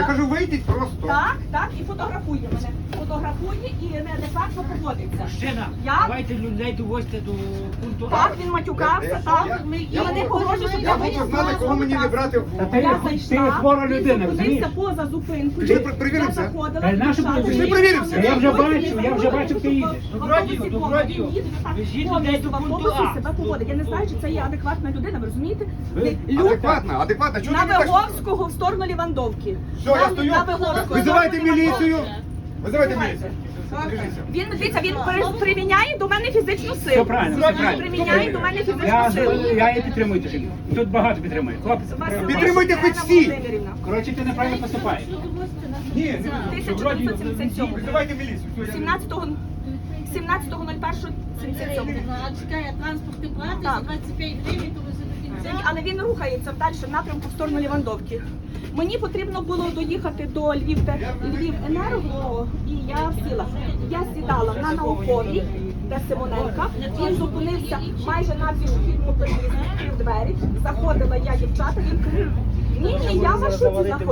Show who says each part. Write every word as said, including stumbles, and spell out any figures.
Speaker 1: Я кажу, вийдіть просто.
Speaker 2: Так, так, і фотографує мене. Фотографує і неадекватно поводиться.
Speaker 3: Мужчина,
Speaker 2: Я-
Speaker 3: давайте людей довозьте до пункту А.
Speaker 2: Так, він матюкався,
Speaker 1: Я-
Speaker 2: так.
Speaker 1: я-
Speaker 2: І
Speaker 1: я
Speaker 2: вони
Speaker 1: буду-
Speaker 2: погрожують, що
Speaker 1: Я
Speaker 2: я
Speaker 1: буду
Speaker 2: вийду
Speaker 1: знати, кого мені не брати в
Speaker 3: Та ти-
Speaker 2: Я
Speaker 3: ти
Speaker 2: зайшла,
Speaker 3: хвора
Speaker 2: він
Speaker 3: людина,
Speaker 2: зупинився
Speaker 3: розумієш?
Speaker 2: поза зупинкою.
Speaker 1: Ти ж при- перевірився?
Speaker 2: Я заходила,
Speaker 3: Та й нащо
Speaker 2: дівчата,
Speaker 3: перевірився?
Speaker 1: Ти ж перевірився?
Speaker 3: Я вже
Speaker 2: заходили,
Speaker 3: бачу, я вже бачу, ти їдеш. Добродію, добродію. Везіть людей до пункту А.
Speaker 2: себе поводить. Я не знаю, чи це є адекватна людина, ви розумієте?
Speaker 3: Ви-
Speaker 2: Люд
Speaker 1: Адекватно, адекватно. Чого
Speaker 2: на
Speaker 1: ти так?
Speaker 2: Виговського в сторону Лівандовки.
Speaker 1: Все, я стою.
Speaker 2: На Виговського.
Speaker 1: Визивайте
Speaker 2: в сторону
Speaker 1: міліцію.
Speaker 2: Лівандовки.
Speaker 1: Визивайте міліцію. Біжіться.
Speaker 2: Він, дивіться, він при- приміняє до мене фізичну силу.
Speaker 3: Все правильно, все
Speaker 2: Він
Speaker 3: правильно.
Speaker 2: приміняє до мене
Speaker 3: Я,
Speaker 2: фізичну силу.
Speaker 3: я її підтримую дуже. Тут багато підтримує. Хлопець, підтримує.
Speaker 1: Підтримуйте хоч
Speaker 2: Олена
Speaker 1: всі.
Speaker 2: Володимирівна.
Speaker 3: Коротше, ти неправильно поступаєш.
Speaker 1: Ні,
Speaker 2: тисяча дев'ятсот сімдесят сьомого.
Speaker 1: визивайте міліцію. Все, я-
Speaker 2: сімнадцятого сімнадцятого нуль першого сімдесят сьомого.
Speaker 4: Чекає транспортний плати
Speaker 2: Так.
Speaker 4: за двадцять п'ять гривень, то ви до кінця.
Speaker 2: Але він рухається в далі напрямку в сторону Лівандовки. Мені потрібно було доїхати до Львів, Львівенерго, і я сіла. Я сідала на науковій, де Симоненка. Він зупинився майже на пішохідному переїзді, відкрив двері. Заходила я, дівчата, він каже, ні, ні, я в маршруті заходжу.